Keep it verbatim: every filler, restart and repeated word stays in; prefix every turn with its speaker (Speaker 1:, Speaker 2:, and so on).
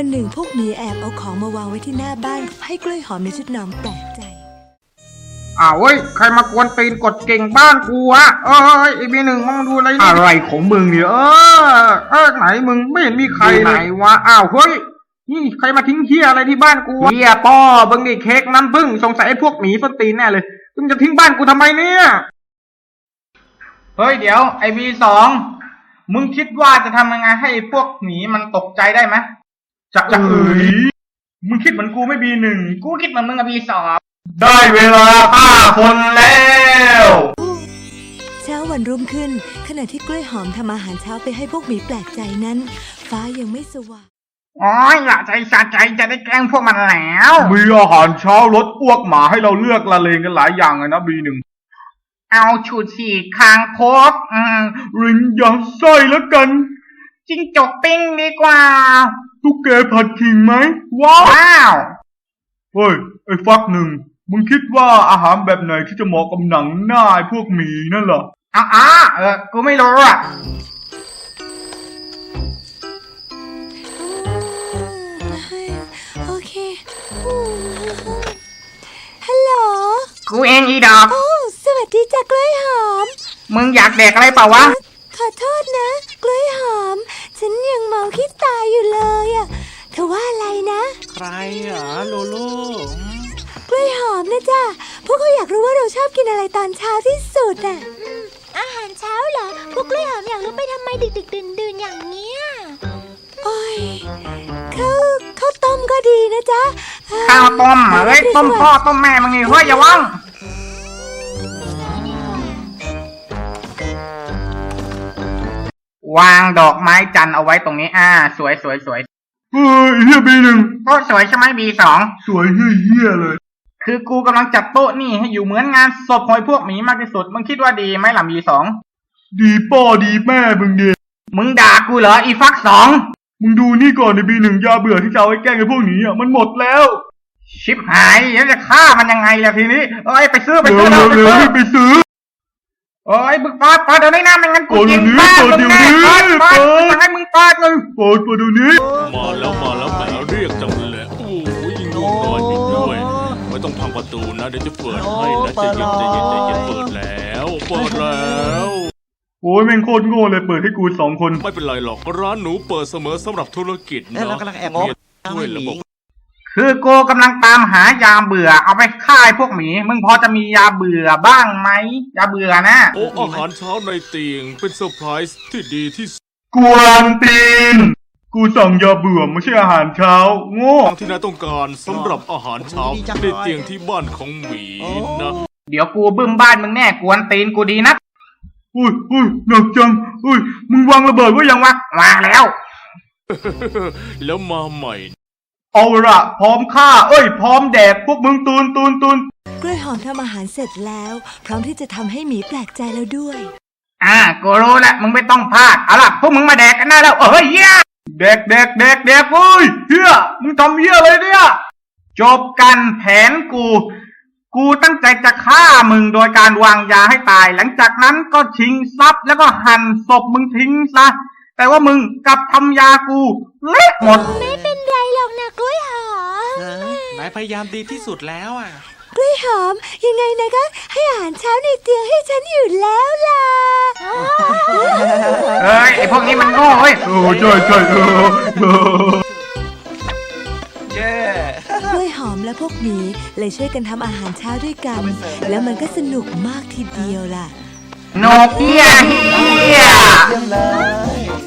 Speaker 1: วันหนึ่งพวกหมีแอบเอาของมาวางไว้ที่หน้าบ้านให้กล้วยหอมในชุดนอนแปลกใจ
Speaker 2: อ้าวเว้ยใครมากวนตีนกดเก่งบ้านกูอะเอ้ยไอ้บีหนึ่งมองดูอะไรนี่อะไรของมึงเนี่ยเออเออไหนมึงไม่เห็นมีใครไหนวะอ้าวเฮ้ยนี่ใครมาทิ้งเหี้ยอะไรที่บ้านกูเหี้ยป้อบังดิเค้กน้ำผึ้งสงสัยไอ้พวกหมีส้นตีนแน่เลยมึงจะทิ้งบ้านกูทำไมเนี่ยเฮ้ยเดี๋ยวไอ้บีสองมึงคิดว่าจะทำยังไงให้พวกหมีมันตกใจได้ไหมจะจะเอ๋ยมึงคิดเหมือนกูไม่บีหนึ่งกูคิดเหมือนมึงอะบีสองได้เวลาฆ่าคนแล้ว
Speaker 1: เช้าวันรุ่งขึ้นขณะที่กล้วยหอมทำอาหารเช้าไปให้พวกหมีแปลกใจนั้นฟ้ายังไม่สว่าง
Speaker 2: อ๋อละใจสะใจจะได้แกล้งพวกมันแล้วมีอาหารเช้ารสอ้วกหมาให้เราเลือกละเลงกันหลายอย่างเลยนะบีหนึ่งเอาชูชีคางคกอืมรินยัดไส้แล้วกันจิ้งจกปิ้งดีกว่าตุ๊กแกผัดขิงไหมว้าวเฮ้ยไอ้ฟักหนึ่งมึงคิดว่าอาหารแบบไหนที่จะเหมาะกับหนังหน้าไอ้พวกหมีนั่นเหรออ๋อเออกูไม่รู้อ่ะ
Speaker 1: โอเคฮัลโหล
Speaker 2: กูเองอีดอก
Speaker 1: โอ้สวัสดีจ้ะกล้วยหอม
Speaker 2: มึงอยากแดกอะไรเปล่าวะ
Speaker 1: ขอโทษนะกล้วยหอมฉันยังเมาขี้ตายอยู่เลยอ่ะเธอว่าอะไรนะ
Speaker 3: ใครอ่ะโลโล่
Speaker 1: กล้วยหอมนะจ้ะพวกเขาอยากรู้ว่าเราชอบกินอะไรตอนเช้าที่สุดอ่ะ
Speaker 4: อาหารเช้าเหรอพวกกล้วยหอมอยากรู้ไปทำไมดึกดึกดื่นดื่นอย่างเนี้ย
Speaker 1: โอ้ยข้าวข้าวต้มก็ดีนะจ๊ะ
Speaker 2: ข้าวต้มเฮ้ยต้มพ่อต้มแม่มึงนี่เฮ้ยอย่าว่างวางดอกไม้จันทร์เอาไว้ตรงนี้อ่าสวยสวยสวยเฮ้ยเฮียบีหนึ่งโต๊ะสวยใช่ไหมบีสองสวยเฮียเฮียเลยคือกูกำลังจัดโต๊ะนี่ให้อยู่เหมือนงานศพหอยพวกหมีมากที่สุดมึงคิดว่าดีไหมล่ะบีสองดีป้อดีแม่มึงดีมึงด่ากูเหรออีฟักสองมึงดูนี่ก่อนในบีหนึ่งยาเบื่อที่จะเอาไว้แกล้งไอ้พวกนี้อ่ะมันหมดแล้วชิบหายแล้วจะฆ่ามันยังไงล่ะทีนี้เอ้ยไปซื้อไปซื้อเร็วเร็วไปซื้อโอ้ยมึงปาดปาดเดี๋ยวนี้นะไม่งั้นกูยิงบ้านมึงแน่ปาดปาดจะให้มึงปาดเลยปาดปาดเดี๋ยวนี้
Speaker 3: มาแล้วมาแล้วแหมเรียกจังเลยโอ้ยยิงลูกนอนอยู่ด้วยไม่ต้องพังประตูนะเดี๋ยวจะเปิดให้นะใจเย็นใจเย็นใจเย็นเปิดแล้วเปิดแล้ว
Speaker 2: โอ้ยแม่งโคตรโง่เลยเปิดให้กูสองคน
Speaker 3: ไม่เป็นไรหรอกร้านหนูเปิดเสมอสำหรับธุรกิจเนาะ
Speaker 5: เรากำลังแอบงง
Speaker 3: ด้วยระบบ
Speaker 2: คือกูกำลังตามหายาเบื่อเอาไปฆ่าพวกหมีมึงพอจะมียาเบื่อบ้างไหมยาเบื่อนะ
Speaker 3: โอ้อาหารเช้าในเตียงเป็นเซอร์ไพรส์ที่ดีที่สุด
Speaker 2: กวนตีนกูสั่งยาเบื่อไม่ใช่อาหารเช้าโง่
Speaker 3: ที่นายต้องการสำหรับอาหารเช้าในเตียงที่บ้านของหมีนะ
Speaker 2: เดี๋ยวกูบึ้มบ้านมึงแน่กวนตีนกูดีนักอุ้ยอุ้ยหนักจังอุ้ยมึงวางระเบิดไว้ยังวะวางแล้ว
Speaker 3: แล้วมาใหม่
Speaker 2: เอาละพร้อมฆ่าเอ้ยพร้อมแดกพวกมึงตูนตูนตูน
Speaker 1: กล้วยหอมทำอาหารเสร็จแล้วพร้อมที่จะทำให้หมีแปลกใจแล้วด้วย
Speaker 2: อ่ากูรู้แล้วมึงไม่ต้องพลาดเอาล่ะพวกมึงมาแดกกันได้แล้วเอ้ยเหี้ยแดกแดกแดกแดกเฮ้ยเหี้ยมึงทำเหี้ยเลยเนี่ยจบกันแผนกูกูตั้งใจจะฆ่ามึงโดยการวางยาให้ตายหลังจากนั้นก็ชิงทรัพย์แล้วก็หั่นศพมึงทิ้งซะแต่ว่ามึงกลับทำยากูเละหมด
Speaker 4: ไม่เป็นไรหรอกนะกล้วยหอม
Speaker 5: นายพยายามดีที่สุดแล้วอ่ะ
Speaker 1: กล้วยหอมยังไงนะก็ให้อาหารเช้าในเตียงให้ฉันอยู่แล้วล่ะ
Speaker 2: เฮ้ยไอพวกนี้มันโง่เว้ยโอ้ใช่ใช่เออ
Speaker 1: เย้กล้วยหอมและพวกหมีเลยช่วยกันทำอาหารเช้าด้วยกันแล้วมันก็สนุกมากทีเดียวล่ะ
Speaker 2: นกเฮียเฮีย